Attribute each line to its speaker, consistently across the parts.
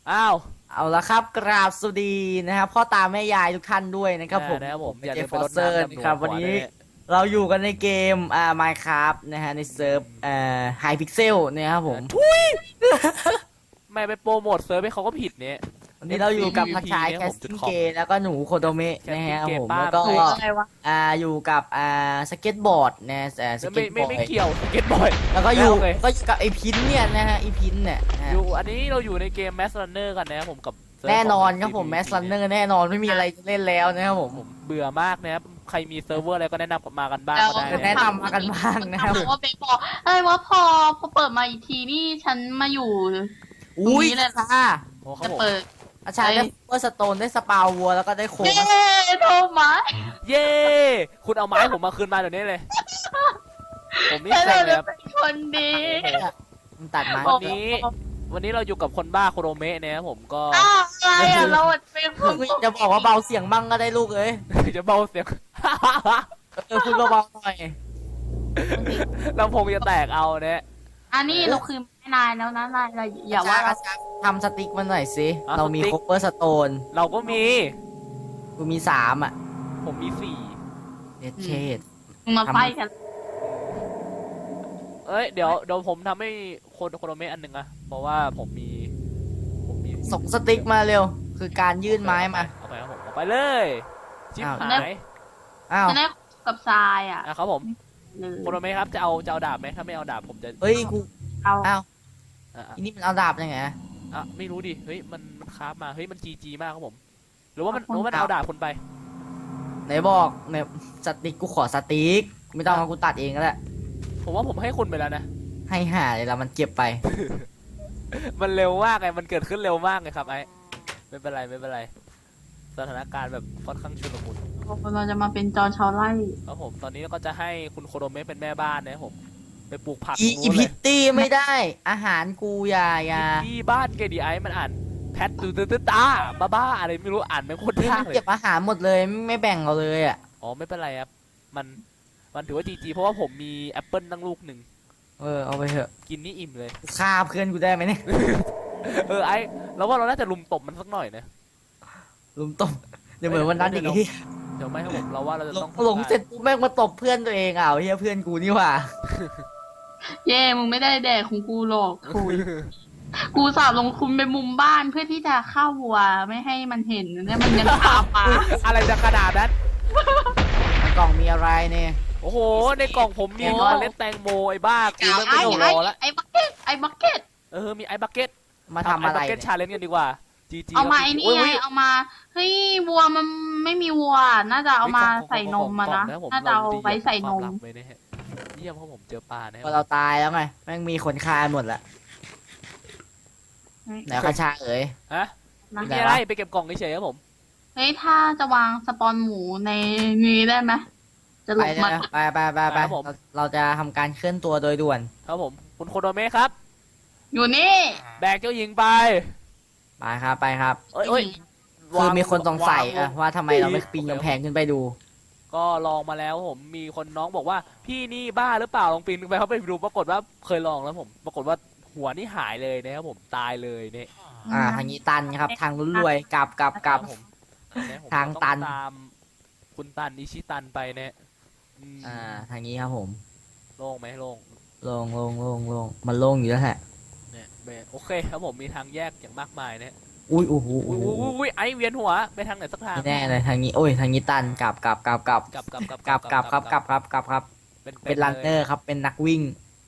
Speaker 1: อ้าว
Speaker 2: เอาละครับกราบสวัสดีนะครับพ่อตาแม่ยายทุกท่านด้วยนะครับผม
Speaker 1: นะครับผมอย่า
Speaker 2: เจ
Speaker 1: ลืม
Speaker 2: ฟ
Speaker 1: ไป
Speaker 2: ฟอ
Speaker 1: ร
Speaker 2: ร์
Speaker 1: ด
Speaker 2: เซอร์
Speaker 1: น้ำดำหั
Speaker 2: นะครับวันนี้
Speaker 1: วขวาด้วย
Speaker 2: เราอยู่กันในเกมMinecraft นะฮะในเซิร์ฟไฮพิกเซลนะครับผม
Speaker 1: ทุยไม่ไปโปรโมทเซิร์ฟให้เขาก็ผิดเนี่ย
Speaker 2: วันนี้เราอยู่กับพักชาย
Speaker 1: เนี่ย
Speaker 2: แค
Speaker 1: ผ
Speaker 2: ส
Speaker 1: มจุด
Speaker 2: ติ้ง
Speaker 1: คอม
Speaker 2: เกแล้วก็หนูโคโดเมะนะฮะ
Speaker 1: Casting
Speaker 2: ผม
Speaker 1: Gay
Speaker 2: แล้วก็
Speaker 1: ป้า
Speaker 3: อะไรวะ
Speaker 2: อยู่กับสเก็ตบอร์ดนะส
Speaker 1: ไม่
Speaker 2: เก็ตบ
Speaker 1: ไม่
Speaker 2: อร์
Speaker 1: ไม่
Speaker 2: ด
Speaker 1: เกี่ยวสเก็ตบอย
Speaker 2: แล้วก็อยู่
Speaker 1: โอเค
Speaker 2: ก็อยู่กับไอพินเนี่ยนะฮะไอพินเนี่ยนะฮะ
Speaker 1: อยู่อันนี้เราอยู่ในเกม Mass Runner กันนะครับผมกับเซิร์ฟ
Speaker 2: แน่นอนครับ
Speaker 1: ของ
Speaker 2: ผม
Speaker 1: CPP
Speaker 2: แมสลันเนอร์แน่นอนไม่มีอะไรจะเล่นแล้วนะครับผม
Speaker 1: ผมเบื่อมากนะครับใครมีเซิร์ฟเวอร์อะไรก็แนะนำมากันบ้างก็ได้
Speaker 2: แนะ
Speaker 1: นะ
Speaker 2: นำมากันบ้างนะครับ
Speaker 3: ถามว่าเบบอกเอ้ยว่าพอเปิดมาอีกทีนี่ฉันมาอยู่
Speaker 2: อุ้ย
Speaker 3: ตรงนี้เลยนะ
Speaker 2: ค่ะ
Speaker 1: โอ้ครั
Speaker 3: จะ
Speaker 1: บผม
Speaker 3: เปิด
Speaker 2: อาจารย์ได้เปอร์สโตนได้สปาววัวแล้วก็ได้โค
Speaker 3: เย้
Speaker 2: ม
Speaker 3: โทมัส
Speaker 1: เย้ คุณเอาไม้ผมมาคืนมาเดี๋ยวนี้เลย ผมนี่
Speaker 3: ฉัน
Speaker 1: เซ็งเลย
Speaker 3: จะ
Speaker 1: ครับ
Speaker 3: เป็นคนดี
Speaker 2: มันตัดไม้
Speaker 1: วันนี้ วันนี้เราอยู่กับคนบ้าโคโรเมะนะครับผมก็
Speaker 3: อ้าวอะไรอ่ะเราเป็นคน
Speaker 2: จะบอกว่าเบาเสียงบ้างก็ได้ลูกเอ้ย
Speaker 1: จะเบาเสียง
Speaker 2: คุณเบาๆหน่อย
Speaker 1: ลำโพงจะแตกเอาเนี่ย
Speaker 3: อันนี้เราคือไม่นายแล้วนะนายอย่าว่าเรา
Speaker 2: ทำสติ๊กมาหน่อยสิ
Speaker 1: อ่ะ
Speaker 2: เรามี
Speaker 1: สติ๊ก
Speaker 2: โคเปอร์สโตน
Speaker 1: เราก็มี
Speaker 2: กูมี3อ่ะ
Speaker 1: ผมมีสี่
Speaker 2: เด็ดเชด
Speaker 3: มึงมาไฟกัน
Speaker 1: เอ้ยเดี๋ยวผมทำให้โคโรเมะอันหนึ่งอะเพราะว่าผมมี
Speaker 2: ส่งสติ๊กมาเร็ว คือการยื่นไม้มา
Speaker 1: เอาไปครับผมเอาไปเลยชิบ
Speaker 2: อ้าว
Speaker 1: หาย
Speaker 2: อ้าว
Speaker 3: จะได้กับทรายอ่ะ
Speaker 1: อ่ะครับผม
Speaker 3: เลย
Speaker 1: โคโรเมะครับจะเอาดาบไหมถ้าไม่เอาดาบผมจะ
Speaker 2: เฮ้ยกู
Speaker 3: เอา
Speaker 2: อ้าว
Speaker 1: อ่ะ
Speaker 2: อีนี่มันเอาดาบยังไง
Speaker 1: ไม่รู้ดิเฮ้ยมันคราฟมาเฮ้ยมันจีมากครับผมหรือว่ามันเอาดาบคนไป
Speaker 2: ไหนบอกไหนสติ๊กกูขอสติ๊กไม่ต้องเอากูตัดเองก็ได้
Speaker 1: ผมว่าผมให้คุณไปแล้วนะ
Speaker 2: ให้หาเลยละมันเก็บไป
Speaker 1: มันเร็วมากไงมันเกิดขึ้นเร็วมากไงครับไอ้ไม่เป็นไรไม่เป็นไรสถานการณ์แบบค่อนข้างชุลมุน
Speaker 3: เราจะมาเป็นจอชาวไร่
Speaker 1: ครับผมตอนนี้ก็จะให้คุณโคโรเมะเป็นแม่บ้านนะครับผมไปปลูกผัก
Speaker 2: อี
Speaker 1: นู้นเล
Speaker 2: พิ
Speaker 1: ย
Speaker 2: ตตี้ไม่ได้ อาหารกูอย่า
Speaker 1: ที่บ้านเกดีไอมันอ่านแพทตื้อตาบ้าอะไรไม่รู้อ่านไม่โคตร
Speaker 2: นี่
Speaker 1: ยา
Speaker 2: มั
Speaker 1: ก
Speaker 2: น
Speaker 1: เลย
Speaker 2: เก็บอาหารหมดเลยไม่แบ่งเราเลยอ่ะ
Speaker 1: อ๋อไม่เป็นไรครับมันถือว่าจีเพราะว่าผมมีแอปเปิลตั้งลูกหนึ่ง
Speaker 2: เอาไปเถอะ
Speaker 1: กินนี่อิ่มเลย
Speaker 2: ฆ่าเพื่อนกูได้ไหมเนี่ย
Speaker 1: ไอ้เราว่าเราน่าจะลุมตบมันสักหน่อยนะ
Speaker 2: ลุมตบเดี๋ยวเหมือนวันนั้นอีกที่
Speaker 1: เดี๋ยวไม่ครับผมเราว่าเราจะต้อง
Speaker 2: หลงเสร็จปุ๊บแม่งมาตบเพื่อนตัวเองเฮียเพื่อนกูนี่หว่า
Speaker 3: เย่มึงไม่ได้แดกของกูหรอกคุยกูสาบลงทุนไปมุมบ้านเพื่อที่จะฆ่าวัวไม่ให้มันเห็นเนี่ยมันยังคาปลา
Speaker 1: อะไรจะขนาดนั้น
Speaker 2: ในกล่องมีอะไรเนี่ย
Speaker 1: โอ้โหในกล่องผมมีเมล็ดแตงโมไอ้บ้ากูเริ่มไม่ต้องรอแล้ว
Speaker 3: ไอ้บักเก็ตไอ้บักเก็ต
Speaker 1: มีไอ้บักเก็ต
Speaker 2: มาทำอะไร
Speaker 1: บักเก็ต
Speaker 2: เนี่ย
Speaker 1: ชาเลนจ์กันดีกว่าจี
Speaker 3: เอามาไอ้นี่ไงเอามาเฮ้ยวัวมันไม่มีวัว น่าจะเอามาใส่นมมานะน่าจะเอาไว้ใส่นม
Speaker 1: เยี่ยมเพราะผมเจอปลานะ
Speaker 2: พอเราตายแล้วไงแม่งมีคนฆ่าหมดละไหนคาชาเอ๋ย
Speaker 1: ฮะ
Speaker 3: นะ
Speaker 1: ไม่มีอะไรไปเก็บกล่องเฉยๆครับผม
Speaker 3: เฮ้ยถ้าจะวางสปอนหมูในนี้ได้ไหมจะหล
Speaker 2: ไป
Speaker 3: บ
Speaker 2: เลย
Speaker 3: มัน
Speaker 2: นะไปเราจะทำการเคลื่อนตัวโดยด่วน
Speaker 1: ครับผมคุณโคโดเมะครับ
Speaker 3: อยู่นี่
Speaker 1: แบกเจ้าหญิงไป
Speaker 2: ไปครับ
Speaker 1: เอ้ย
Speaker 2: คือมีคนสงสัย
Speaker 1: วา
Speaker 2: ว่าทำไมเราไม่ปีนกำแพงขึ้นไปดู
Speaker 1: ก็ลองมาแล้วผมมีคนน้องบอกว่าพี่นี่บ้าหรือเปล่าลองปีนขึ้นไปเขาไปดูปรากฏว่าเคยลองแล้วผม ปรากฏว่าหัวนี่หายเลยนะครับผมตายเลยเนี่ย
Speaker 2: ทางนี้ตันครับ ทางลุ้นรวยกลับ
Speaker 1: ผมเนี่ยผม
Speaker 2: ทางตัน
Speaker 1: อตามคุณตันอิชิตันไปเนี่ยม
Speaker 2: ทางนี้ครับผม
Speaker 1: โล่งไหมโล่ง
Speaker 2: โล่งมันโล่งอยู่แล้วแหละ
Speaker 1: เนี่ยโอเคครับผมมีทางแยกอย่างมากมายเนี่ย
Speaker 2: อุ้ยโอ้โห
Speaker 1: อุ้ยไอเวียนหัวไปทางไหนสักทาง
Speaker 2: ไม่แน่เลยทางนี้โอ้ยทางนี้ตันกลับครับเป็นรันเนอร์ครับเป็นนักวิ่ง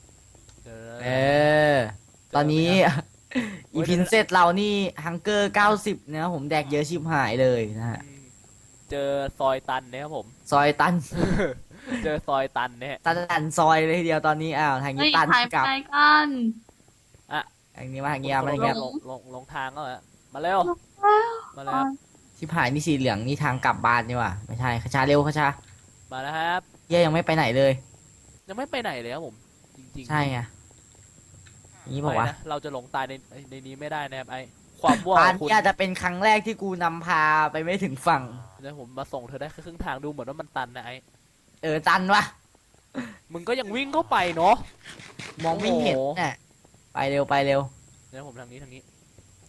Speaker 2: ตอนนี้อีพินเซตเรานี่ฮังเกอร์90นะครับผมแดกเยอะชิบหายเลยนะฮะ
Speaker 1: เจอซอยตันเนี่ยครับผม
Speaker 2: ซอยตัน
Speaker 1: เจอซอยตันเนี่ย
Speaker 2: ตันซอยเลยทีเดียวตอนนี้ทางนี้
Speaker 3: เฮ้ย
Speaker 2: ตัน
Speaker 3: ถ่าย
Speaker 2: กลับ
Speaker 3: ไปกัน
Speaker 2: ทางนี้มาทางนี้มาทางนี้
Speaker 1: ลงทางก็มาเร็วมาแล้ว
Speaker 2: ชิบหายนี่สีเหลืองนี่ทางกลับบ้านนี่ว่ะไม่ใช่ขชาเร็วขชา
Speaker 1: มาแล้วครับ
Speaker 2: เย่ยังไม่ไปไหนเลย
Speaker 1: ยังไม่ไปไหนเลยครับผมจริงๆ
Speaker 2: ใช่ไงนี่บอกว่า
Speaker 1: ไม่นะเราจะหลงตายในนี้ไม่ได้นะครับไอความว่ว
Speaker 2: บ้า
Speaker 1: ข
Speaker 2: น
Speaker 1: องคุณ
Speaker 2: นี่อาจจะเป็นครั้งแรกที่กูนำพาไปไม่ถึงฝั่ง
Speaker 1: แล้วผมมาส่งเธอได้แค่ครึ่งทางดูเหมือนว่ามันตันนะไอ
Speaker 2: ตันวะ
Speaker 1: มึงก็ยังวิ่งเข้าไปเนาะ
Speaker 2: มองไม่เห็นน่ะไปเร็ว
Speaker 1: เนี่ยผมทางนี้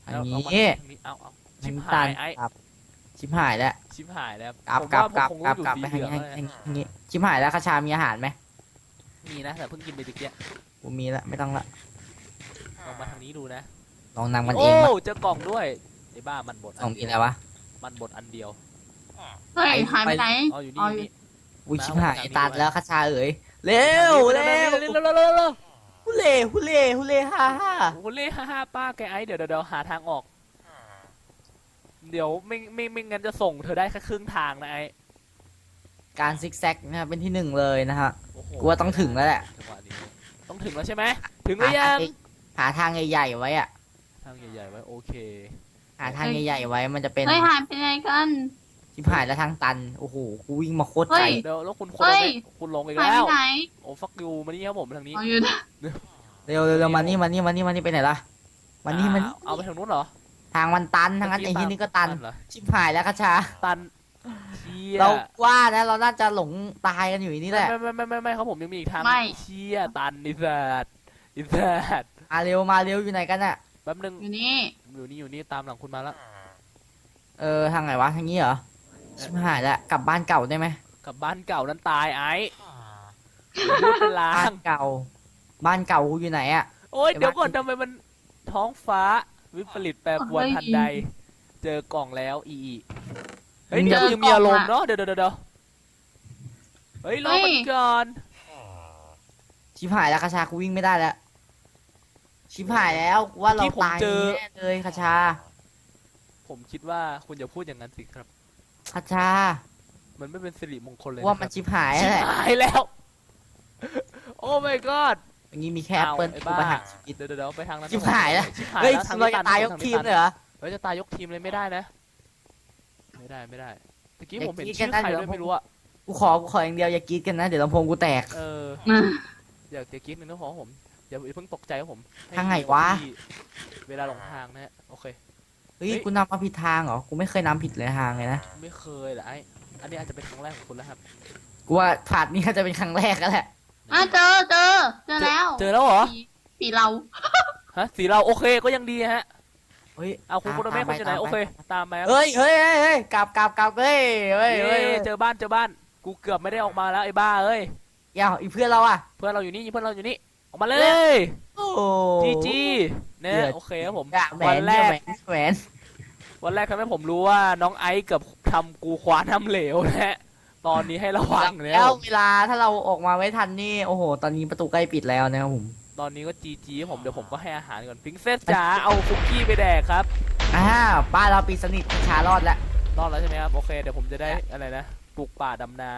Speaker 2: อันนี้
Speaker 1: เอามาทางนี้เอาชิบ
Speaker 2: น้ำ
Speaker 1: หา
Speaker 2: ตาล
Speaker 1: ยไอ้
Speaker 2: ครับชิบหายแล้ว
Speaker 1: ชิบหายแล้ว
Speaker 2: กลับ
Speaker 1: ผม
Speaker 2: กลับ
Speaker 1: ว่าก
Speaker 2: ลับ
Speaker 1: ผมคง
Speaker 2: กลับ
Speaker 1: อยู่
Speaker 2: กลับ
Speaker 1: สี
Speaker 2: ไป
Speaker 1: เห
Speaker 2: ทาง
Speaker 1: ลือง
Speaker 2: นี้
Speaker 1: แล้วนะ
Speaker 2: ทางนี้ชิบหายแล้วคาชามีอาหารไหม
Speaker 1: มีนะแต่เพิ่งกินไปตะเกียบ
Speaker 2: กูมีละไม่ต้องละ
Speaker 1: ลองมาทางนี้ดูนะ
Speaker 2: ลองนำกันเอ
Speaker 1: โอ้
Speaker 2: งมา
Speaker 1: เจอกล่องด้วยไอ้บ้ามันบด
Speaker 2: ลอง
Speaker 1: น
Speaker 2: กิน
Speaker 1: เดี
Speaker 2: อะ
Speaker 1: ยว
Speaker 2: ไรวะ
Speaker 1: มันบดอันเดียว
Speaker 3: เฮ้ยหายไปไหน
Speaker 1: อ๋ออยู่
Speaker 3: อ๋
Speaker 1: นี่
Speaker 3: อ
Speaker 1: อยู่นี่
Speaker 2: อุ้ย
Speaker 1: มา
Speaker 2: ชิบหาย
Speaker 1: เอาไป
Speaker 2: ตัด
Speaker 1: ทางนี้
Speaker 2: แล้วคาชาเอ๋ยเร็วเร็ว
Speaker 1: เร็วเร็วเร็วเร็ว
Speaker 2: ฮุเล่ฮุเล่ฮุเล่ฮ่าฮ่า
Speaker 1: โอ้โหเล่ฮ่าป้าแกไอ้เดี๋ยวหาทางออก เดี๋ยวไม่งั้นจะส่งเธอได้แค่ครึ่งทางนะไอ้
Speaker 2: การซิกแซกนะครับเป็นที่หนึ่งเลยนะฮะ
Speaker 1: โอ้โห
Speaker 2: กูว่าต้องถึงแล้วแหละ
Speaker 1: จังหวะนี้ต้องถึงแล้วใช่ไหมถึงหรือยัง
Speaker 2: หาทางใหญ่ๆไว้อะ
Speaker 1: ทางใหญ่ๆไว้โอเค
Speaker 2: หาทางใหญ่ๆไว้มันจะเป็น
Speaker 3: เฮ้ยหายไปไหนกัน
Speaker 2: ชิบหายแล้วทางตันโอ้โหกูวิ่งมาโคตร
Speaker 3: เฮ้
Speaker 2: ไกล
Speaker 3: ย
Speaker 1: เดี๋ยวแล้วคุณ
Speaker 3: เฮ้ย
Speaker 1: คุณลงอีก
Speaker 3: หาย
Speaker 1: แล้
Speaker 3: ไป
Speaker 1: ว
Speaker 3: ไหน
Speaker 1: โอ้ฟักยูมานี่ครับผมทางนี้
Speaker 3: อ๋ออยู่นะ
Speaker 2: เร็วเร็วเร็วมานี่มานี่มานี่มานี่ไปไหนล่ะมานี่มัน
Speaker 1: เอาไปทางนู้นเหรอ
Speaker 2: ทางมันตันทางนั้นไอ้ที่นี่ก็ตัน
Speaker 1: เหรอ
Speaker 2: ชิบหายแล้วคาชา
Speaker 1: ตันเชี่ย
Speaker 2: เราว่านะเราน่าจะหลงตายกันอยู่นี่แหละ
Speaker 1: ไม่ครับผมยังมีอีกทาง
Speaker 3: ไม่
Speaker 1: เชี่ยตันอิสัตอิสัต
Speaker 2: มาเร็วมาเร็วอยู่ไหนกันอะ
Speaker 1: แป๊บนึง
Speaker 3: อยู่นี่
Speaker 1: อยู่นี่ตามหลังคุณมาแล้ว
Speaker 2: ทางไหนวะทางนี้เหรอชิบหายแล้วกลับบ้านเก่าได้ไหม
Speaker 1: กลับบ้านเก่านั้นตายไอ้พูดเป็นลา
Speaker 2: บ้าง นเก่า บ้านเก่ากูอยู่ไหนอะ
Speaker 1: โอ้ยเดี๋ยวก่อนทำไมมันท้องฟ้าวิปริตแปรปรวนทันใด เจอกล่องแล้วอีเฮ้ยเดี๋ยวยังมีอารมณ์เนาะเดี๋ยวเฮ้ยรอมันก่อน
Speaker 2: ชิบหายแล้วคาชากูวิ่งไม่ได้แล้วชิบหายแล้วกูว่าเราตายแน่เลยคาชา
Speaker 1: ผมคิดว่าคุณอย่าพูดอย่างนั้นสิครับ
Speaker 2: คาชา
Speaker 1: มันไม่เป็นสิริมงคลเลย
Speaker 2: ว่ามันชิบหาย
Speaker 1: ชิบ
Speaker 2: แหละ
Speaker 1: หายแล้ว โอ้ my god
Speaker 2: อย่างนี้มีแค่แอปเปิล
Speaker 1: ไอ้
Speaker 2: กู
Speaker 1: บ้า
Speaker 2: ประหารชีวิต
Speaker 1: เดี๋ยวไปทางนั้น
Speaker 2: ชิบหายแล้ว
Speaker 1: ชิบหาย
Speaker 2: เฮ้ย
Speaker 1: แล้วทาง
Speaker 2: เรา
Speaker 1: นี้
Speaker 2: จะ
Speaker 1: ตัน
Speaker 2: ตายยกทีมเลยเหรอ
Speaker 1: เฮ้ยจะตายยกทีมเลยไม่ได้นะไม่ได้ตะกี้ผมเห็น
Speaker 2: อย่า
Speaker 1: ชื่อ
Speaker 2: คิดกัน
Speaker 1: ใคร
Speaker 2: นะ
Speaker 1: ด้วยไม่รู้อะ
Speaker 2: กูขออย่างเดียวอย่ากรีดกันนะเดี๋ยวลำโพงกูแตก
Speaker 1: อยากจะคิดหนึ่งนะขอผมอย่าเพิ่งตกใจครับผม
Speaker 2: ทางไหนวะ
Speaker 1: ที่เวลาหลงทางนะฮะโอเค
Speaker 2: เฮ้ย
Speaker 1: เฮ้ย
Speaker 2: กูนำมาผิดทางเหรอกูไม่เคยนำผิดเลยทางเลยนะ
Speaker 1: ไม่เคยเหรอไอ้อันนี้อาจจะเป็นครั้งแรกของคุณแล้วครับ
Speaker 2: กูว่าผาดนี้ก็จะเป็นครั้งแรกแล้วแหละ
Speaker 3: เจอแล้ว
Speaker 1: เจอแล้วเหรอ
Speaker 3: สีเรา
Speaker 1: ฮะสีเราโอเคก็ยังดีฮะ
Speaker 2: เฮ้ย
Speaker 1: เอาคุณคุณแม่คุณจะไหนโอเคตามไปครับ
Speaker 2: เฮ้ยกลับเฮ้ยเฮ้ย
Speaker 1: เจอบ้านกูเกือบไม่ได้ออกมาแล้วไอ้บ้าเอ้ย
Speaker 2: เดี๋ยวอีเพื่อนเราอ่ะ
Speaker 1: เพื่อนเราอยู่นี่ออกมาเลย
Speaker 2: โอ้
Speaker 1: จีเนี่ย
Speaker 2: เดือด
Speaker 1: โอเคครับผม
Speaker 2: แหว
Speaker 1: วัน
Speaker 2: น
Speaker 1: แรก
Speaker 2: แหวน
Speaker 1: วันแรกทำให้ผมรู้ว่าน้องไอซ์เกือบทำกูคว้าน้ำเหลวนะฮะตอนนี้ให้ระวังเนี่ย
Speaker 2: แล้วเวลาถ้าเราออกมาไม่ทันนี่โอ้โหตอนนี้ประตูใกล้ปิดแล้วนะครับผม
Speaker 1: ตอนนี้ก็จีผมเดี๋ยวผมก็ให้อาหารก่อนพิงเซสจ๋าเอาคุกกี้ไปแดกครับ
Speaker 2: บ้านเราปิดสนิทชารอดแล้ว
Speaker 1: รอดแล้วใช่ไหมครับโอเคเดี๋ยวผมจะได้อะไรนะปลูกป่าดำนาร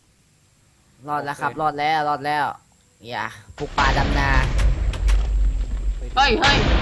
Speaker 2: อดแล้วครับรอดแล้วอย่าปลูกป่าดำนา
Speaker 3: เฮ้ย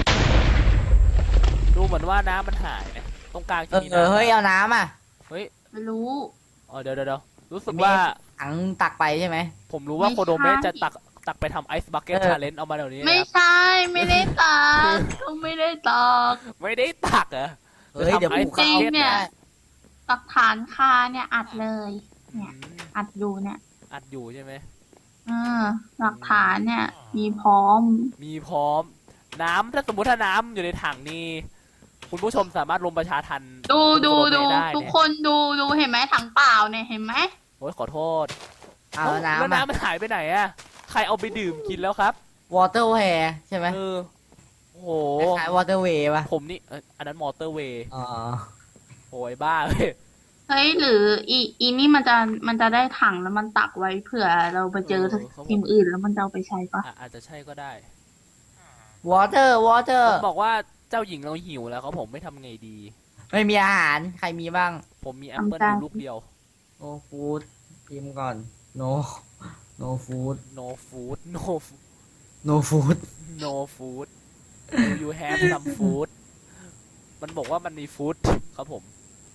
Speaker 1: ดูเหมือนว่าน้ำมันหายนะตรงกลางจะมีน้ำ
Speaker 2: เฮ้ยเอาน้ำอ่ะ
Speaker 3: ไม่รู้
Speaker 1: อ๋อเดี๋ยวรู้สึกว่า
Speaker 2: ถังตักไปใช่ไหม
Speaker 1: ผมรู้ว่า
Speaker 3: ไม่
Speaker 1: โคโดเมะ
Speaker 3: ใช่
Speaker 1: จะตักไปทำไอซ์บักเก็ต
Speaker 2: เออ
Speaker 1: ชาเลนจ์เอามาเดี๋ยวนี้
Speaker 3: ไม่
Speaker 1: นะครับ
Speaker 3: ใช่ ไม่ได้ตักเขาไม่ได้ตัก
Speaker 1: ไม่ได้ตักเหรอ
Speaker 2: เฮ้ยเดี๋ยวปลูก
Speaker 3: จริง
Speaker 2: ข้าว
Speaker 3: เนี่ย หลักฐานคาเนี่ยอัดเลย
Speaker 1: อืม
Speaker 3: อัดอยู่เนี่ย
Speaker 1: อัดอยู่ใช่ไหม
Speaker 3: หลักฐานเนี่ย มีพร้อม
Speaker 1: มีพร้อมน้ำถ้าสมมติถ้าน้ำอยู่ในถังนี่คุณผู้ชมสามารถลงประชาทัน
Speaker 3: ดู
Speaker 1: คุณโคโดเมะได้
Speaker 3: ทุก
Speaker 1: เนี่ย
Speaker 3: คนดูเห็นไหมถังเปล่าเนี่ยเห็นไหม
Speaker 1: โอ้ยขอโทษ
Speaker 2: เอา
Speaker 1: แล้ว
Speaker 2: น้ำ
Speaker 1: น้ำมันหายไปไหนอะใครเอาไปดื่มกินแล้วครับ
Speaker 2: วอเตอร์แวร์ใช่ไหม
Speaker 1: โอ้โห
Speaker 2: คล้ายวอเตอร์เวย์ป่ะ
Speaker 1: ผมนี่อันนั้นมอเตอร์เวย์
Speaker 2: อ๋อ
Speaker 1: โอ้ยบ้าเลย
Speaker 3: เฮ้ยหรืออีนี่มันจะได้ถังแล้วมันตักไว้เผื่อเราไปเจอทีมอื่นแล้วมันจะเอาไปใช้ปะ
Speaker 1: อาจจะใช่ก็ได้
Speaker 2: วอเตอร์
Speaker 1: ผมบอกว่าเจ้าหญิงเราหิวแล้วครับผมไม่ทำไงดี
Speaker 2: ไม่มีอาหารใครมีบ้าง
Speaker 1: ผมมีแอปเปิลอยู่ลูกเดียว
Speaker 2: โอ้ฟู้ดพิมพ์ก่อน no food
Speaker 1: no food
Speaker 2: no food
Speaker 1: no food do you have some food มันบอกว่ามันมีฟู้ดครับผม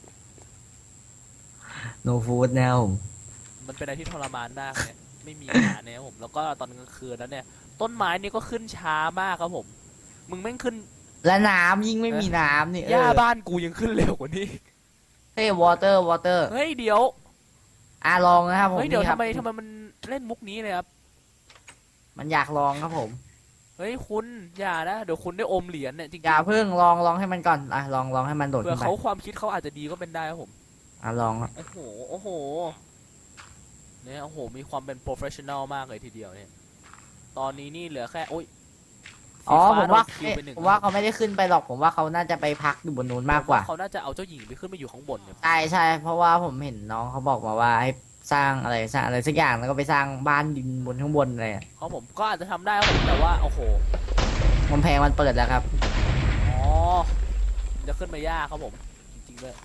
Speaker 2: no food แนว
Speaker 1: มันเป็นอะไรที่ทรมานมากเนี่ยไม่มีอาหารเนี่ยครับผมแล้วก็ตอนกลางคืนแล้วเนี่ย ต้นไม้นี่ก็ขึ้นช้ามากครับผม มึงแม่งขึ้น
Speaker 2: และน้ำยิ่งไม่มีน้ำนี่
Speaker 1: หญ้าบ้านกูยังขึ้นเร็วกว่านี้
Speaker 2: เฮ้ยวอเตอร์
Speaker 1: เฮ้ยเดี๋ยว
Speaker 2: ลองนะครับผม
Speaker 1: เฮ้ยเดี๋ยว
Speaker 2: นี่ครับ
Speaker 1: ทำไมมันเล่นมุกนี้เลยครับ
Speaker 2: มันอยากลองครับผม
Speaker 1: เเฮ้ยคุณอย่านะเดี๋ยวคุณได้อมเหรียญเนี่ยจริง
Speaker 2: อย่าเพิ่งลองให้มันก่อนอ่ะลองให้มันโดด
Speaker 1: เผื่
Speaker 2: ขึ้
Speaker 1: อน
Speaker 2: ไป
Speaker 1: เขาความคิดเขาอาจจะดีก็เป็นได้ครับผม
Speaker 2: อ่ะลอง
Speaker 1: โอ้โหโอ้โหเนี่ยโอ้โหมีความเป็นโปรเฟชชั่นอลมากเลยทีเดียวเนี่ยตอนนี้นี่เหลือแค่โอ้ย
Speaker 2: อ๋อ
Speaker 1: สี
Speaker 2: ผ
Speaker 1: ฟ้
Speaker 2: มว่า
Speaker 1: โดนคิวไปหนึ่ง
Speaker 2: ผมว่าเขาไม่ได้ขึ้นไปหรอกผมว่าเขาน่าจะไปพักอยู่บนนู้นมากกว่า
Speaker 1: เขาน่าจะเอาเจ้าหญิงไปขึ้นไปอยู่ข้างบนเนี่ย
Speaker 2: ใช่เพราะว่าผมเห็นน้องเขาบอกมาว่าให้สร้างอะไรสักอย่างแล้วก็ไปสร้างบ้านดินบนข้างบนอะไรอะ
Speaker 1: เขาผมก็อาจจะทำได้ครับผมแต่ว่าโอ้โห
Speaker 2: กำแพงมันเปิดแล้วครับ
Speaker 1: อ๋อมันจะขึ้นมายากครับผมจริงๆด้วย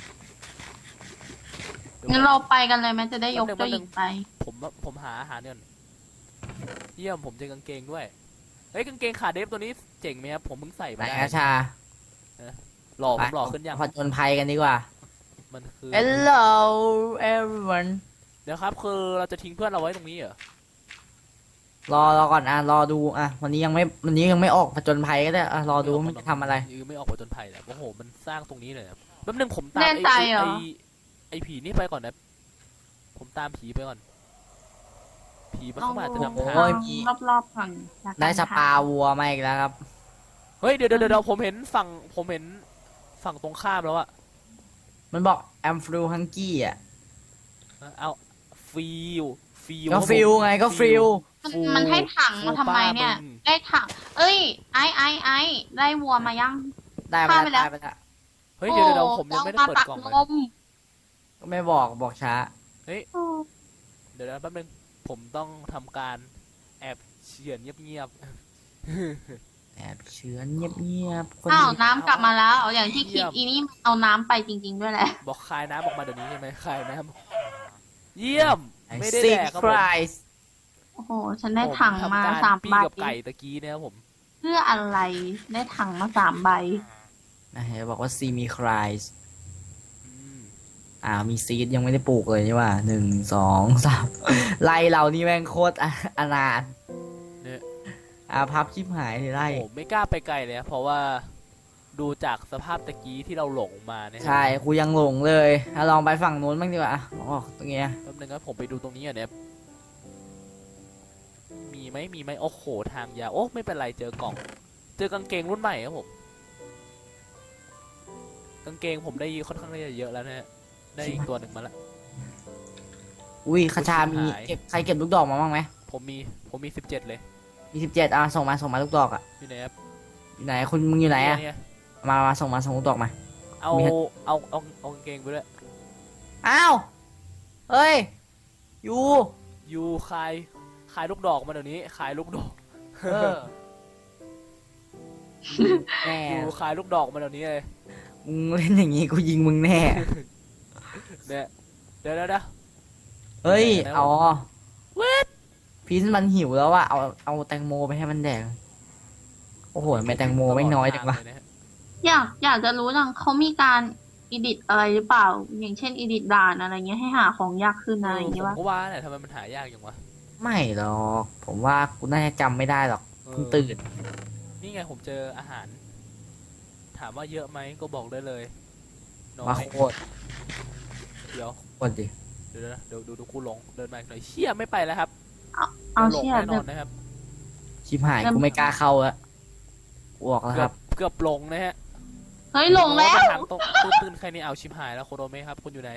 Speaker 1: เดี๋ยว
Speaker 3: งั้นเราไปกันเลยไหมจะได้ยกเจ้าหญิงไป
Speaker 1: ผมหาอาหารเนี่ยเยี่ยมผมเจอกางเกงด้วยเฮ้ยกางเกงขาเดฟตัวนี้เจ๋งไหมครับผมเพิ่งใส่
Speaker 2: ไหน
Speaker 1: มาได้
Speaker 2: อาชา
Speaker 1: หล่อผมหล่อขึ้นยัง
Speaker 2: ผจญภัยกันดีกว่า
Speaker 1: มันคือ
Speaker 2: Hello everyone
Speaker 1: เดี๋ยวครับคือเราจะทิ้งเพื่อนเราไว้ตรงนี้เหรอ
Speaker 2: รอก่อนรอดูวันนี้ยังไม่ออกผจญภัยก็ได้รอดูว่ามันจะทำอะไร
Speaker 1: ยือไม่ออกผจญภัยแล้วโอ้โหมันสร้างตรงนี้เลยครับแป๊บนึงผมตาม
Speaker 3: แน่ใจเหรอ
Speaker 1: ไอ้ผีนี่ไปก่อนนะผมตามผีไปก่อน ผีมันเข้ามาอาจจะนำทาง
Speaker 2: โอ้ย
Speaker 3: รอบๆก่อนจาก
Speaker 2: ได้สปา
Speaker 3: ทง
Speaker 2: วัวมาอีกแล้วครับ
Speaker 1: เฮ้ยเดี๋ยวผมเห็นฝั่งตรงข้ามแล้วอะ
Speaker 2: มันบอก I'm through hungry อ่ะ
Speaker 1: เอาฟิล
Speaker 2: ก็ฟิลไงก็ฟิล
Speaker 3: มันให้ถังมาทำไมเนี่ย ได้ถัง เอ้ย ไอ้ได้วัวมายัง
Speaker 2: ได้
Speaker 3: ฆ่า
Speaker 2: มา
Speaker 3: ไป
Speaker 2: แล้ว
Speaker 3: แล้ว
Speaker 2: ได้ไปแล้ว
Speaker 1: เฮ้ยเดี๋ยวผมยังไม่ได้เปิดกล่อง
Speaker 3: ล
Speaker 1: เลย
Speaker 3: ม
Speaker 2: ก็ไม่บอกช้า
Speaker 1: เดี๋ยวแป๊บนึงผมต้องทำการแอบเฉียนเงียบ
Speaker 2: แอบเชื้อเงียบๆคน
Speaker 3: อ้าว
Speaker 2: ดี
Speaker 3: น้ำกลับมาแล้ว อย่างที่คิดอีนี่เอาน้ำไปจริง ๆ ด้วยแหละ
Speaker 1: ๆบอกคายน้ำออกมาเดี๋ยวนี้ใช่ไหมคายน้ำเยี่ยม ไม่ได้
Speaker 2: ซิ
Speaker 1: แด
Speaker 2: ก
Speaker 1: กครับ
Speaker 2: ไพ
Speaker 1: ผม
Speaker 2: รส์
Speaker 3: โอ้โห ฉันได้ถังมา
Speaker 1: ผทำกร
Speaker 3: สาม
Speaker 1: ปิ้
Speaker 3: ใบ
Speaker 1: งกับไก่ตะกี้เนี่ยครับผม
Speaker 3: เพื่ออะไร ได้ถังมา3 ใบ
Speaker 2: เห็นบอกว่าซีมีไครส์
Speaker 1: อืม
Speaker 2: มีซีดยังไม่ได้ปลูกเลยนี่ว่า1 2 3ไล่เรานี่แม่งโคตรอนาถ
Speaker 1: เนี่ย
Speaker 2: พับชิบหายเลยไล่
Speaker 1: โอ้ไม่กล้าไปไกลเลยนะเพราะว่าดูจากสภาพตะกี้ที่เราหลงมาเนี่ย
Speaker 2: ใช่กูยังหลงเลยลองไปฝั่งนู้นบ้างดีกว่าตรงเนี้ย
Speaker 1: แป๊บนึงครับผมไปดูตรงนี้อ่ะเนี่ยมีไหมโอ้โหทางยาวโอ้ไม่เป็นไรเจอกล่อง เจอกางเกงรุ่นใหม่ครับผมกางเกงผมได้ค่อนข้างได้เยอะแล้วนะฮะได้อีกตัวหนึ่งมาละ
Speaker 2: อุ้ยคาชามี
Speaker 1: หาย
Speaker 2: ใครเก็บลูกดอกมาบ้างไหม
Speaker 1: ผมมี17เลย
Speaker 2: มี17ส่งมาลูกดอก
Speaker 1: อยู่ไหนครับ
Speaker 2: อยู่ไหนมึงอยู่ไหน
Speaker 1: เนี่ย
Speaker 2: มาส่งลูกดอกมา
Speaker 1: เอา
Speaker 2: มี
Speaker 1: เอากางเกงไปด้วย
Speaker 2: อ้าวเฮ้ยยู
Speaker 1: ยูขายลูกดอกมาเดี๋ยวนี้ขายลูกดอก
Speaker 2: แน่
Speaker 1: ยูขายลูกดอกมาเดี๋ยวนี้เลย
Speaker 2: มึงเล่นอย่างงี้กูยิงมึงแน่
Speaker 1: เนี่ยเดี๋ยว
Speaker 2: เฮ้ย
Speaker 1: ไหนนะ
Speaker 2: อ๋อ
Speaker 1: เวท
Speaker 2: พีนมันหิวแล้วอะเอาแตงโมไปให้มันแดกโอ้โหทำไมแตงโมไม่น้อยจังวะ
Speaker 3: อยากจะรู้จังเขามีการอีดิตอะไรหรือเปล่า อย่างเช่นอีดิตด่านอะไรเงี้ยให้หาของยากขึ้นอะไรอย่าง
Speaker 1: ผ
Speaker 3: เงี้ย
Speaker 1: ม
Speaker 3: วะ
Speaker 1: ก็ว่าแหละทำไมมันหายากจังวะ
Speaker 2: ไม่หรอกผมว่ากูน่าจะจำไม่ได้หรอกเพิ่งตื่น
Speaker 1: นี่ไงผมเจออาหาร ถามว่าเยอะไหมก็บอกได้เลยน้อ
Speaker 2: มาย โคตร
Speaker 1: เดี๋ยว
Speaker 2: โคตรดิ
Speaker 1: เดี๋ยวนะดูกูหลงเดินมาอีกหน่อยเชี่ยไม่ไปแล้วครับ
Speaker 3: เอา
Speaker 1: หลง
Speaker 3: เชี่ย
Speaker 1: แน่น
Speaker 3: เดี๋
Speaker 1: อย นนะครับ
Speaker 2: ชิบหายกูไม่กล้าเข้าแล้วกูออกแล้วครับ
Speaker 1: เกือบหลงนะฮะ
Speaker 3: เฮ้ยหลงแล้ว
Speaker 1: ทางตรงตื้นใครนี่เอาชิบหายแล้วโคโดเมะครับคุณอยู่ไหน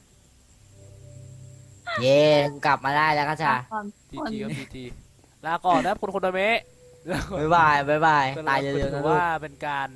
Speaker 2: เย้กูกลับมาได้แล้วก็จ้า
Speaker 1: จีจีครับจีจีลาก่อนนะครับคุณโคโดเมะแล้วก็
Speaker 2: บ๊ายบายบ๊ายบาย
Speaker 1: ก็
Speaker 2: ตาย
Speaker 1: ถื
Speaker 2: เร็วๆ
Speaker 1: อ
Speaker 2: นะลูก
Speaker 1: ว่าเป็นการ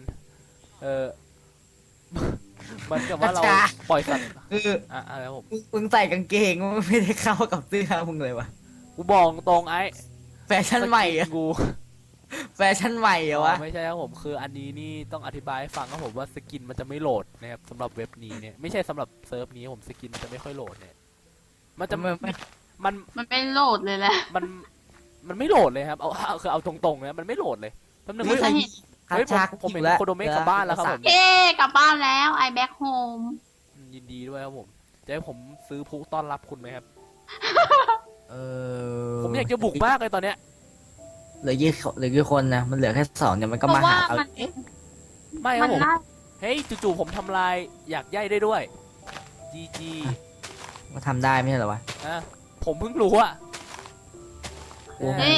Speaker 1: เหมันกับว่าเรา
Speaker 2: จ้า
Speaker 1: ปล่อยสัตว์
Speaker 2: คือ
Speaker 1: อะไรครับผม
Speaker 2: มึงใส่กางเกงมันไม่ได้เข้ากับเสื้อมึงเลยวะ
Speaker 1: กูบอกตรงไอ้
Speaker 2: แฟชั่นใหม่อะ
Speaker 1: กู
Speaker 2: แฟชั่นใหม่เหรอวะ
Speaker 1: ไม่ใช่ครับผมคืออันนี้นี่ต้องอธิบายให้ฟังครับผมว่าสกินมันจะไม่โหลดนะครับสำหรับเว็บนี้เนี่ยไม่ใช่สำหรับเซิร์ฟนี้ผมสกินมันจะไม่ค่อยโหลดเนี่ยมันจะมัน
Speaker 3: มันเป็นโหลดเลยแหละ
Speaker 1: มันไม่โหลดเลยครับคือเอาตรงๆนะมันไม่โหลดเลยแป๊บนึง
Speaker 3: ไม่
Speaker 1: เฮ้ย
Speaker 3: ใช่
Speaker 2: คา
Speaker 1: เฮ้ย
Speaker 2: ชา
Speaker 1: ผมเห็น
Speaker 2: แล้ว
Speaker 1: โคโดเมะกลับบ้านแล้วครับผม
Speaker 3: เย้กลับบ้านแล้ว I back home
Speaker 1: ยินดีด้วยครับผมจะให้ผมซื้อพลุต้อนรับคุณไหมครับ
Speaker 2: เออ
Speaker 1: ผมอยากจะบุกมากเลยตอนเนี้ย
Speaker 2: เหลือกี่คนนะมันเหลือแค่2เนี่ยมันก็
Speaker 3: เพ
Speaker 2: มา
Speaker 3: ราะว่า
Speaker 2: หาเรา
Speaker 3: มัน
Speaker 1: ไม่ค
Speaker 3: มั
Speaker 1: รับ
Speaker 3: น
Speaker 1: ผม
Speaker 3: น่า
Speaker 1: เฮ้ยจู่ๆผมทำลายอยากใยได้ด้วย GG
Speaker 2: มาทำได้ไม่ใช่เหรอวะ
Speaker 1: ผมเพิ่งรู้อะ
Speaker 2: โอ้โห
Speaker 3: เฮ้ย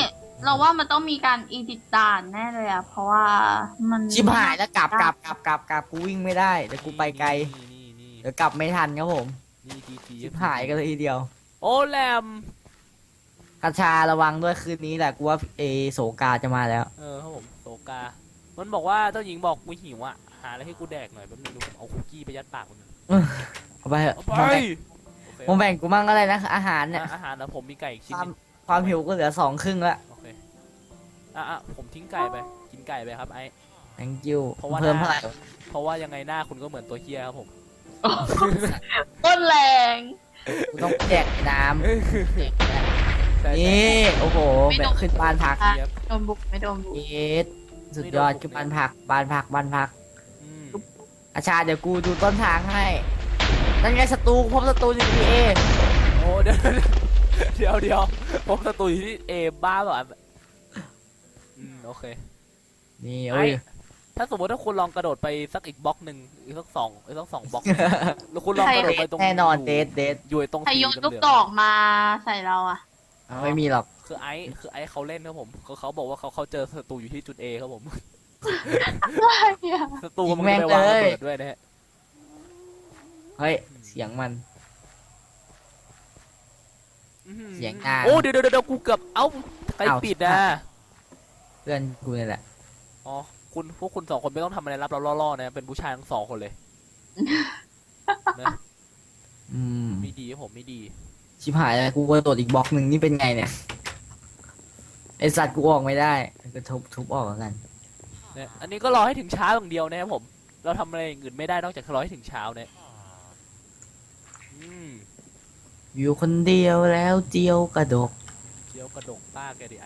Speaker 3: เราว่ามันต้องมีการอีดิตด่านแน่เลยอะเพราะว่ามัน
Speaker 2: ชิบหายแล้วกลับกูวิ่งไม่ได้เดี๋ยวกูไปไกล
Speaker 1: นี่
Speaker 2: เดี๋ยวกลับไม่ทันครับผม
Speaker 1: นี่จีจี
Speaker 2: ชิบหายกันเลยทีเดียว
Speaker 1: โอ้แรม
Speaker 2: กระชาระวังด้วยคืนนี้แหละกูว่าโสกาจะมาแล้ว
Speaker 1: ครับผมโตกา มันบอกว่าเจ้าหญิงบอกกูหิวอ่ะหาอะไรให้กูแดกหน่อยแป๊บนึงดูผมเอาคุกกี้ไปยัดปากมัน
Speaker 2: เอาไปเถอะ
Speaker 1: เอาไปโอเค
Speaker 2: ผมแบ่งกูมั่งก็ได้นะอาหารเนี่ย
Speaker 1: อาหารนะผมมีไก่อีกชิ้น
Speaker 2: ความ
Speaker 1: หนึ่ง
Speaker 2: ความหิวก็เหลือ2 ครึ่งละ
Speaker 1: โอเคผมทิ้งไก่ไปกินไก่ไปครับไอ้
Speaker 2: thank you
Speaker 1: เพราะว่า
Speaker 2: เพิ่มเท่าไหร่
Speaker 1: เพราะว่ายังไงหน้าคุณก็เหมือนตัวเฮียครับผม
Speaker 3: ต้นแรง
Speaker 2: กูต้องแจกน้ำ
Speaker 1: ใช่
Speaker 2: นี่โอ้โหแบบขึ้นบ้านพัก
Speaker 1: ใช่ครับ
Speaker 3: โดนบุกไม่โดนบุก
Speaker 2: เอ็ดสุดยอดขึ้นบ้านพักบ้านพัก
Speaker 1: อืม
Speaker 2: อาชาเดี๋ยวกูดูต้นทางให้นั่นไงศัตรูพบศัตรูอยู่ที่เอ
Speaker 1: โอ้เดี๋ยวเดี๋ยวผมศัตรูอยู่ที่เอบ้าเปล่าโอเค
Speaker 2: นี่
Speaker 1: ไอ้
Speaker 2: โอ้ย
Speaker 1: ถ้าสมมติถ้าคุณลองกระโดดไปสักอีกบล็อกหนึ่งอีกสักสองบล็อกแล้วคุณลองกระโดดไปตรง
Speaker 2: แน่นอนเดท
Speaker 1: อยู่ตรง
Speaker 3: ใคร
Speaker 1: สี
Speaker 3: โยนลูก
Speaker 1: เหลื
Speaker 3: ด
Speaker 1: อง
Speaker 3: อกมาใส่เราอะ
Speaker 2: ไม่มีหรอก
Speaker 1: ๆคือไอ้เขาเล่นครับผมเขาบอกว่าเขาเจอศัตรูอยู่ที่จุด A ครับผม
Speaker 3: อะไรอะ
Speaker 1: ศัตรูมันไปวางระเบิดด้วยนะฮะ
Speaker 2: เฮ้ยเสียงมัน เสียงอ่าง
Speaker 1: โอ้เดี๋ยวกูเกือบเอ้าใคร
Speaker 2: อ้าว
Speaker 1: ปิดนะ
Speaker 2: เพื่อนกูนี่แหละ
Speaker 1: อ๋อพวกคุณสองคนไม่ต้องทำอะไรรับเราล่อๆนะเป็นผู้ชายทั้งสองคนเลยนะ
Speaker 2: อืม
Speaker 1: ไม่ดีครับผมไม่ดี
Speaker 2: ชิบหายเลยกูกระโดดอีกบล็อกหนึ่งนี่เป็นไงเนี่ยไอสัตว์กูออกไม่ได้ก็ทุบออกแล้วกัน
Speaker 1: เนี่ยอันนี้ก็รอให้ถึงเช้าอย่างเดียวนะครับผม เราทำอะไรอย่างอื่นไม่ได้นอกจากรอให้ถึงเช้าเนี่ยอืม
Speaker 2: อยู่คนเดียวแล้วเจียวกระดก
Speaker 1: เดี๋ยวกระดกป้าแกดิไอ้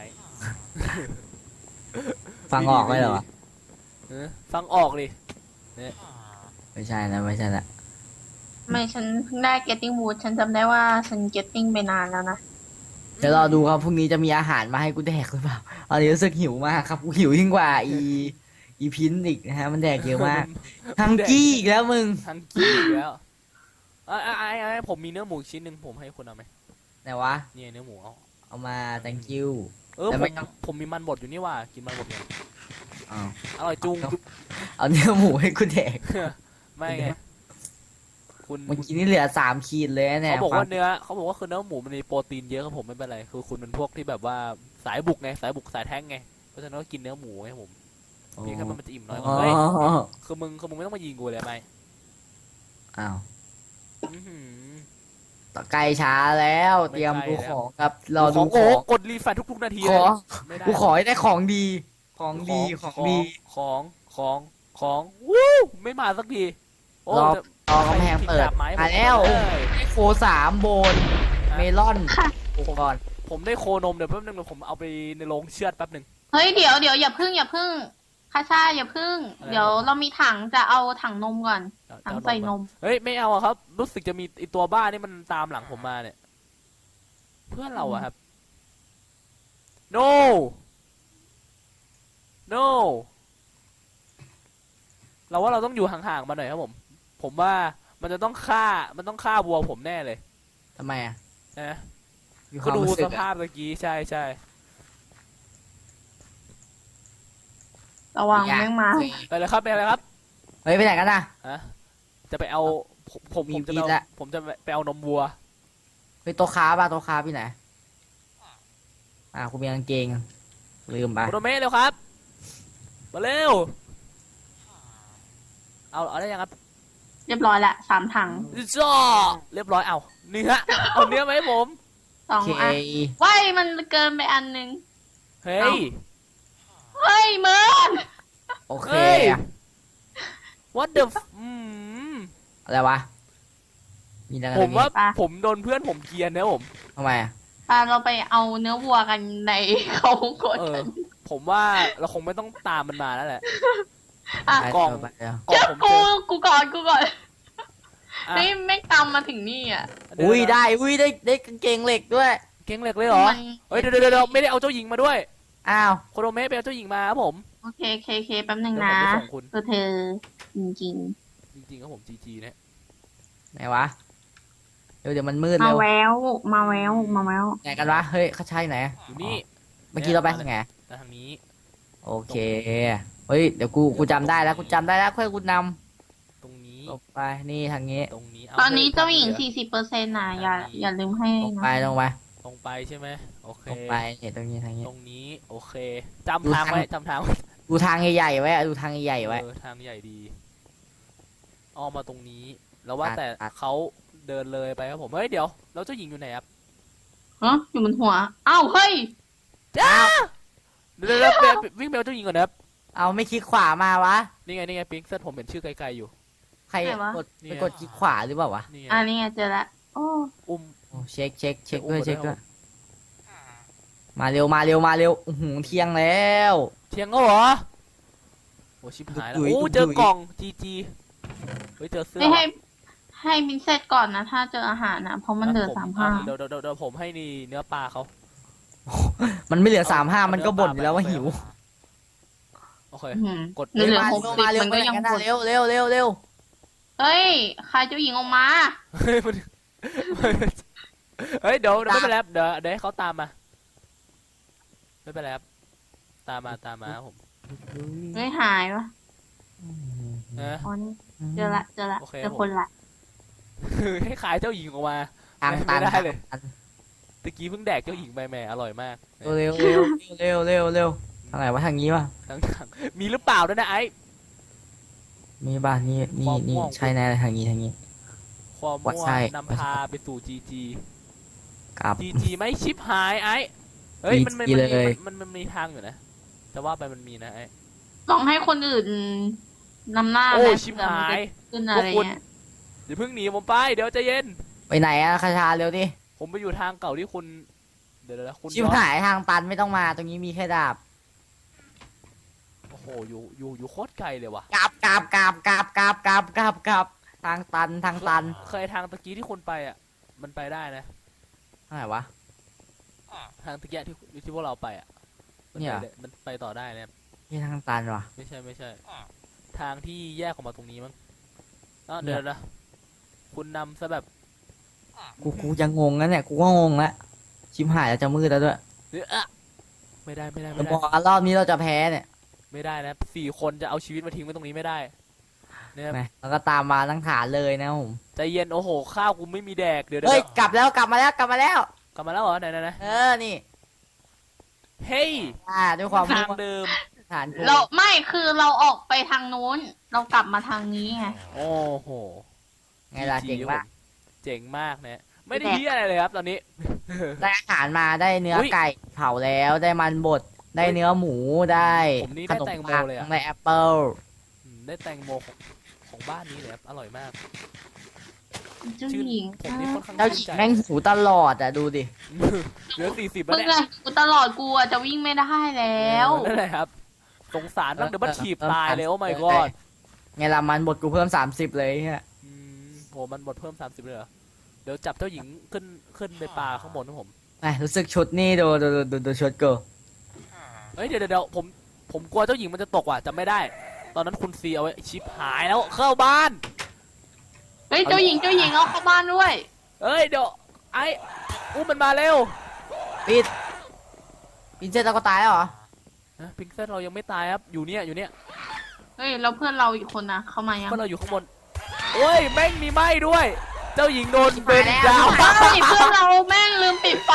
Speaker 2: ฟังออกไหมเหรอวะ
Speaker 1: ฟังออกดิ
Speaker 2: ไม่ใช่นะไม่ใช่ละ
Speaker 3: ไม่ฉันเพิ่งได้ getting wood ฉันจำได้ว่าฉัน getting ไปนานแล้วนะ
Speaker 2: เดี๋ยวรอดูครับพรุ่งนี้จะมีอาหารมาให้กูแดกหรือเปล่าตอนนี้รู้สึกหิวมากครับกูหิวยิ่งกว่าอีพินอีกนะฮะมันแดกเยอะมากทังกี้อีกแล้วมึง
Speaker 1: ทังกี้อีกแล้วไอ้ผมมีเนื้อหมูอีกชิ้นหนึ่งผมให้คุณเอาไหม
Speaker 2: ไหนวะ
Speaker 1: เนี่ยเนื้อหมูเอา
Speaker 2: เอามา thank you
Speaker 1: ผ
Speaker 2: แต่
Speaker 1: ม
Speaker 2: ไม่ต้อง
Speaker 1: ผมมีมันบดอยู่นี่ว่ากินมันบดเนี่ย
Speaker 2: อ้าว
Speaker 1: อร่อยจุง
Speaker 2: เอาเนื้อหมูให้กูแดก
Speaker 1: ไม่ไงคุณ
Speaker 2: เมื่อกี้นี่เหลือ3 ขีดเลยนะเนี่ย
Speaker 1: เขาบอก
Speaker 2: ควา
Speaker 1: ว่าม เขาบอกว่าคือเนื้อหมูมันมีโปรตีนเยอะครับผมไม่เป็นไรคือคุณเป็นพวกที่แบบว่าสายบุกไงสายบุกสายแท้งไงเพราะฉะนั้นก็กินเนื้อหมูไงผมเพียงแค่มันจะอิ่มน้อยกว่าเฮ้ยคือมึงไม่ต้องมายิงกูเลยไหม
Speaker 2: อ้าว
Speaker 1: อื้อหือ
Speaker 2: ต่อไกลช้าแล้วเตรียม
Speaker 1: ไม่ไกล
Speaker 2: ดู
Speaker 1: แล้ว
Speaker 2: ของครับรอดู
Speaker 1: โอ้
Speaker 2: ของ
Speaker 1: กดรีแฟรชทุกๆนาที
Speaker 2: ข
Speaker 1: เล
Speaker 2: อย
Speaker 1: ไม่ได้
Speaker 2: กูขอให้ได้ของดีของดีของดี
Speaker 1: ของวู้ไม่มาสักทีโอ้
Speaker 2: รอ
Speaker 1: จะ
Speaker 2: รอกำแพงเปิด
Speaker 1: ใครทิ้ดาบไม้
Speaker 2: มาแล้ว
Speaker 1: ผมเลย
Speaker 2: ได้โค3 โบนเมลอนกูก่อน
Speaker 1: ผมได้โคนมเดี๋ยวแป๊บนึงเดี๋ยวผมเอาไปในโรงเชือดแป๊บนึง
Speaker 3: เฮ้ยเดี๋ยวอย่าพึ่งคาชาอย่าพึ่ง
Speaker 1: อะไร
Speaker 3: เดี๋ยวเรามีถังจะเอาถังนมก่อน ถังใส่นม
Speaker 1: เฮ้ยไม่เอาอะครับ รู้สึกจะมีไอตัวบ้านี่มันตามหลังผมมาเนี่ย เพื่อนเราอะครับ no no เราว่าเราต้องอยู่ห่างๆมาหน่อยครับผม ผมว่ามันต้องฆ่าวัวผมแน่เลย
Speaker 2: ทำไมอ่ะ
Speaker 1: นะ
Speaker 2: มีค
Speaker 1: ก็
Speaker 2: วาม
Speaker 1: ดู
Speaker 2: รู้สึ
Speaker 1: ส
Speaker 2: ก
Speaker 1: ภาพเมื่อกี้ใช่
Speaker 3: ระวังแม่งมา
Speaker 1: ไปเลยครับไปเลยครับ
Speaker 2: เฮ้ยไปไหนกันนะ
Speaker 1: จะไปเอาผม
Speaker 2: มี
Speaker 1: จะ
Speaker 2: มี
Speaker 1: ไป
Speaker 2: ละ
Speaker 1: ผมจะไปเอานมวัว
Speaker 2: ไปโต๊ะค้าป่ะโต๊ะค้าพี่ไหนกูมีกางเกงลืมไป
Speaker 1: โคโนเมะเร็วครับ มาเร็ว เอาได้ยังครับ
Speaker 3: เรียบร้อยละ3 ถัง
Speaker 1: จ้าเรียบร้อยเอาเนื้อเอาเนื้อไหมาให้ผม
Speaker 2: โอเค
Speaker 3: 2 อันว้ายมันเกินไปอันนึง
Speaker 1: เฮ้ย
Speaker 3: เฮ้ยเมิน
Speaker 2: โอเค
Speaker 1: เฮ้ย what the
Speaker 2: อะไรวะมีอะไรกัน
Speaker 1: ผมว่า
Speaker 3: ปะ
Speaker 1: ผมโดนเพื่อนผมเกลียนนะผม
Speaker 2: ทำไมอ่ะ
Speaker 3: เราไปเอาเนื้อวัวกันในเขาโกด
Speaker 1: เออ ผมว่าเราคงไม่ต้องตามมันมาแล้วแหละ
Speaker 3: อ่ะ
Speaker 2: ไป
Speaker 1: กล่อง
Speaker 2: ไปเดี๋ยว
Speaker 1: กล่องผมเจอ
Speaker 3: กูก่อน
Speaker 1: อ่ะ
Speaker 3: นี่ไม่ตามมาถึงนี่อ่ะ
Speaker 1: เยว
Speaker 2: อุ้ยได้กางเกงเหล็กด้วย
Speaker 1: เก่งเหล็กเลยเหรอ
Speaker 3: มัน
Speaker 1: เฮ้ยเดี๋ยวไม่ได้เอาเจ้าหญิงมาด้วย
Speaker 2: อ้าว
Speaker 1: โคโนเมะไปเอาเจ้าหญิงมาครับผม
Speaker 3: โอเคแป๊บนึง
Speaker 1: เดี๋ยว
Speaker 3: นะ
Speaker 1: ผมไปส่งคุณ
Speaker 3: คือเธอจริง
Speaker 1: จริงๆครับผมจีนะ
Speaker 2: ไหนวะเดี๋ยวมันมืด
Speaker 3: ๆ มา
Speaker 2: เร็ว
Speaker 3: แววมาแวว
Speaker 2: ไหนกันวะเฮ้ยเขาใช่ไหน
Speaker 1: อยู่นี่
Speaker 2: มื่อกี้เราไปทางไหน
Speaker 1: แล้วทางนี้
Speaker 2: โอเคเฮ้ยเดี๋ยวกูจำได้แล้วค่อยกูน
Speaker 1: ตรงนี้
Speaker 2: ำลงไปนี่ทางนี้
Speaker 1: ตรงนี้
Speaker 3: ตอนนี้เจ้าหญิง
Speaker 1: ทนี้
Speaker 3: 40%นะอย่าลืมให้
Speaker 2: ลง
Speaker 3: นะ
Speaker 2: ไปลงไป
Speaker 1: ตรงไปใช่ไหมโอเค
Speaker 2: ลงไปเนี่ยตรงนี้ทางนี้
Speaker 1: ตรงนี้โอเคจำทางไว้จำทางไว้
Speaker 2: ดูทางใหญ่ๆไว้ดูทางใหญ่ๆไว้
Speaker 1: ทางใหญ่ดีอ้อมมาตรงนี้ แล้วว่าแต่
Speaker 2: ตัด
Speaker 1: เขาเดินเลยไปครับผมเฮ้ยเดี๋ยวแล้วเจ้าหญิงอยู่ไหนครับ
Speaker 3: ฮะอยู่บนหัวอ้าวเฮ้ย
Speaker 1: จ้าเดี๋ยววิ่งไปเอาเจ้าหญิงก่อนนะครับ
Speaker 2: เอาไม่คลิกขวามาวะ
Speaker 1: นี่ไงปิ๊งเซตผมเห็นชื่อไกลๆอยู่
Speaker 2: ใครกดไปกดคลิกขวาหรือเปล่าวะ
Speaker 1: นี่ไง
Speaker 3: นี่ไงเจอละโอ้
Speaker 1: อุ้ม
Speaker 2: โอ้เช็คด้วย
Speaker 1: เดี๋ยวอุ้ม
Speaker 2: มาเร็วอื้อหือเที่ยงแล้ว
Speaker 1: เที่ยงก็เหรอโอ้ชิบหายแล้ว
Speaker 2: ดุย
Speaker 1: โอ้
Speaker 2: ดุย
Speaker 1: เจอกล่องจีเฮ้ยเจอเสื้อ
Speaker 3: ไม่ให้มินเซตก่อนนะ ถ้าเจออาหารนะเพราะมันเหลือ
Speaker 1: ผม
Speaker 3: 35
Speaker 1: เดี๋ยวผมให้นี่เนื้อปลาเขา
Speaker 2: มันไม่เหลือ
Speaker 1: เอา
Speaker 2: 35มันก็บ่นอยู่แล้วว่า
Speaker 1: เอา
Speaker 2: หิว
Speaker 1: โอเค
Speaker 3: อืม
Speaker 1: กด
Speaker 3: เหลือ
Speaker 2: มา
Speaker 3: 60
Speaker 2: เร็ว
Speaker 3: มันก็ยัง
Speaker 2: ไปไห
Speaker 3: บ่น
Speaker 2: เร็วเร็ว
Speaker 3: เฮ้ยใครเจ้าหญิงออกมา
Speaker 1: เฮ้ยมันเฮ้ยเดี๋ยวไม่เป็นไรครับเดี๋ยวให้เขาตามมาไม่เป็นไรครับตามมาครับผม
Speaker 3: เฮ้ยหายวะ
Speaker 1: นะ
Speaker 3: อ๋อนี่เจอละ
Speaker 1: โอเค
Speaker 3: เจอคนละ
Speaker 1: คือให้ขายเจ้าหญิงออกมา
Speaker 2: ทางตัน
Speaker 1: ไม่ได้เลย ตะกี้เพิ่งแดกเจ้าหญิงไปแหม่อร่อยมาก
Speaker 2: เร็วทางไหนวะทางนี้วะ
Speaker 1: ทั้งมีหรือเปล่าด้วยนะไอ้
Speaker 2: มีบ้านนี่
Speaker 1: ความม่วง
Speaker 2: ใช่แน่เลยทางนี้
Speaker 1: ความมั่ว
Speaker 2: ใช่
Speaker 1: นำพาไปสู่จีจี
Speaker 2: กับ
Speaker 1: จีจีไม่ชิปหายไอ้เฮ้ยมัน
Speaker 2: GG เลย
Speaker 1: มันมีทางอยู่นะแต่ว่าไปมันมีนะไอ้
Speaker 3: ลองให้คนอื่นนำหน้า
Speaker 1: โอ้
Speaker 3: ไหม
Speaker 1: ชิป
Speaker 3: เผื่อ
Speaker 1: หา
Speaker 3: มัน
Speaker 1: ย
Speaker 3: จะขึ้นอะไรเงี้ย
Speaker 1: อย่าเพิ่งหนีผมไปเดี๋ยวใจเย็น
Speaker 2: ไปไหนอะคาชาเร็วดิ
Speaker 1: ผมไปอยู่ทางเก่าที่คุณเดี๋ยวคุณ
Speaker 2: ชิบหายทางตันไม่ต้องมาตรงนี้มีแค่ดาบ
Speaker 1: โอ้โหอยู่โคตรไกลเลยว่ะ
Speaker 2: กลับทางตัน
Speaker 1: เคยทางตะกี้ที่คุณไปอ่ะมันไปได้นะ
Speaker 2: ทางไหนวะ
Speaker 1: ทางตะกี้ที่พวกเราไปอ่ะมัน
Speaker 2: เนี่ย
Speaker 1: ไปได้มันไปต่อได้นะครับ
Speaker 2: นี่ทางตันวะ
Speaker 1: ไม่ใช่ทางที่แยกออกมาตรงนี้มั้งเดี๋ยวนะคุณนำซะแบบ
Speaker 2: กูยังงงนะเนี่ยกูก็งงแล้วชิบหายแล้วจะมืดแล้วด้วย
Speaker 1: ไม่ได้
Speaker 2: จะบอกว่ารอบนี้เราจะแพ้เนี่ย
Speaker 1: ไม่ได้นะ4 คนจะเอาชีวิตมาทิ้งไว้ตรงนี้ไม่ได้นะครับ
Speaker 2: นะแล้วก็ตามมาทั้งฐานเลยนะผม
Speaker 1: ใจเย็นโอ้โหข้าวกูไม่มีแดกเดี๋ยว
Speaker 2: เฮ้ยกลับมาแล้ว
Speaker 1: กลับมาแล้วเหรอไหน
Speaker 2: เออนี่
Speaker 1: เฮ้ย
Speaker 2: ด้วยความ
Speaker 1: ทางเดิม
Speaker 2: ฐานกู
Speaker 3: เราไม่คือเราออกไปทางนู้น เรากลับมาทางนี้ไง
Speaker 1: โอ้โห
Speaker 2: ไงล่ะเจ๋งมาก
Speaker 1: เจ๋งมากนะไม่ได้ที่อะไรเลยครับตอนนี้
Speaker 2: ได้อาหารมาได้เนื้อ
Speaker 1: อุ๊ย
Speaker 2: ไก่เผาแล้วได้มันบดได้เนื้อหมูได้
Speaker 1: ผมนี่
Speaker 2: ข
Speaker 1: ได้
Speaker 2: นม
Speaker 1: แตงโม
Speaker 2: ปัง
Speaker 1: เลยอะ
Speaker 2: ได้แอปเปิล
Speaker 1: ได้แตงโมของบ้านนี้เลยครับอร่อยมาก
Speaker 3: เจ้าหญิง
Speaker 1: ผมนี่ค่อนข้าง
Speaker 2: เจ้าหญิงแม่งหิวตลอดอ่ะดูดิ
Speaker 1: เหลือ40แล้ว
Speaker 3: มึง
Speaker 1: เนี่ย
Speaker 3: อะกูตลอดกูอะจะวิ่งไม่ได้แล้ว
Speaker 1: นั่นแหละครับสงสารบ้างเดี๋ยวมันถีบตายเลยโอ้ my god
Speaker 2: ไงล่ะมันบดกูเพิ่ม30เลยเฮีย
Speaker 1: โหมันหมดเพิ่ม30เลยเหรอเดี๋ยวจับเจ้าหญิงขึ้นไปปลาข้างบนนะผม
Speaker 2: ไอ้รู้สึกชุดนี่ดูชุดกู
Speaker 1: เฮ้ยเดี๋ยวผมกลัวเจ้าหญิงมันจะตกว่ะจำไม่ได้ ตอนนั้นคุณซีเอาไว้ชิปหายแล้วเข้าบ้าน
Speaker 3: เฮ้ยเจ้าหญิงเอาเข้าบ้านด้วย
Speaker 1: เอ้ยเดี๋ยวไอ้อุ้มมันมาเร็ว
Speaker 2: ปิดเสร็จเราก็ตายแล้วเหรอ
Speaker 1: นะพิงเซตเรายังไม่ตายครับอยู่เนี่ย
Speaker 3: เฮ้ยแล้วเพื่อนเราอีกคนนะเข้ามายัง
Speaker 1: เพื่อนเราอยู่ข้างบนโอ้ยแม่งมีไหม้ด้วย เจ้าหญิงโดนเบนดาว
Speaker 3: เฮ้ยเพื่อนเราแม่งลืมปิดไฟ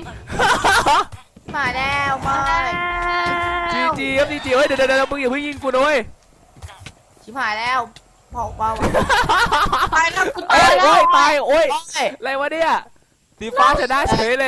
Speaker 2: มาแล้วมา
Speaker 1: จีครับจีเฮ้ยเดี๋ยวมึงอย่าเพิ่งยิงกูนะเว้ย
Speaker 2: ชิบหายแล้วเผา
Speaker 3: ตายแล้วกู
Speaker 1: โอ้
Speaker 3: ตาย
Speaker 1: ย
Speaker 3: แล้ว
Speaker 1: ตายโอ้ย
Speaker 2: โอ้ย
Speaker 1: อะไรวะเนี่ยสีฟ้าชนะเฉยเลย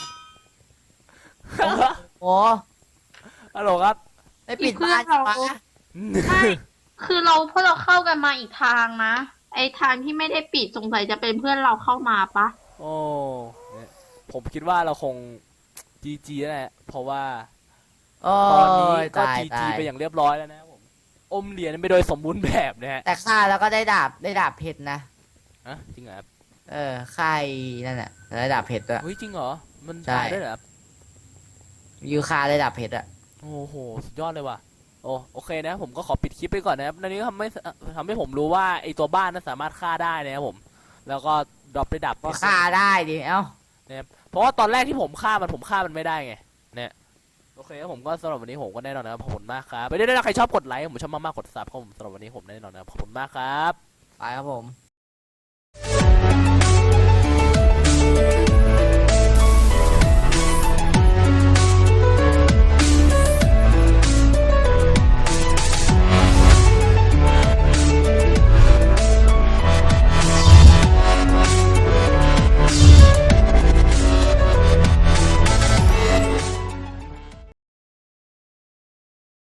Speaker 2: โอ้
Speaker 1: ฮัลโหลครับ
Speaker 2: ได้ปิดบ้านปะ
Speaker 3: ไม่คือพวกเราเข้ากันมาอีกทางนะ ไอทางที่ไม่ได้ปิดสงสัยจะเป็นเพื่อนเราเข้ามาปะ
Speaker 1: โอ้เนี่ยผมคิดว่าเราคงจีแหละเพราะว่า
Speaker 2: โอ้
Speaker 1: ตอนนี้
Speaker 2: ย
Speaker 1: ก็
Speaker 2: ตาย
Speaker 1: จีไปอย่างเรียบร้อยแล้วนะครับผมอมเหรียญไปโดยสมบูรณ์แบบนะฮะ
Speaker 2: แต่ฆ่าแล้วก็ได้ดาบเพชรนะ
Speaker 1: จริงเหรอครับ
Speaker 2: ค่ายนั่นแหละได้ดาบเพชรด้วย
Speaker 1: เฮ้ยจริงเหรอมัน
Speaker 2: ใช่
Speaker 1: ตายด้วยเหรอครับ
Speaker 2: ยูคาได้ดาบเพชรอะ
Speaker 1: โอ้โหสุดยอดเลยว่ะโอเคนะผมก็ขอปิดคลิปไปก่อนนะครับในนี้ทำให้ผมรู้ว่าไอตัวบ้านนั้นสามารถฆ่าได้นะครับผม แล้วก็ดรอปได้ดับ
Speaker 2: ก็ฆ่าได้ดิเอ้า
Speaker 1: เพราะว่าตอนแรกที่ผมฆ่ามันไม่ได้ไงเนี่ยโอเคครับผมก็สำหรับวันนี้ผมก็แน่นอนนะครับขอบคุณมากครับไปได้ใครชอบกดไลค์ผมชอบมากๆกดซับครับผมสำหรับวันนี้ผมแน่นอนนะครับขอบคุณมากครับ
Speaker 2: ไปครับผม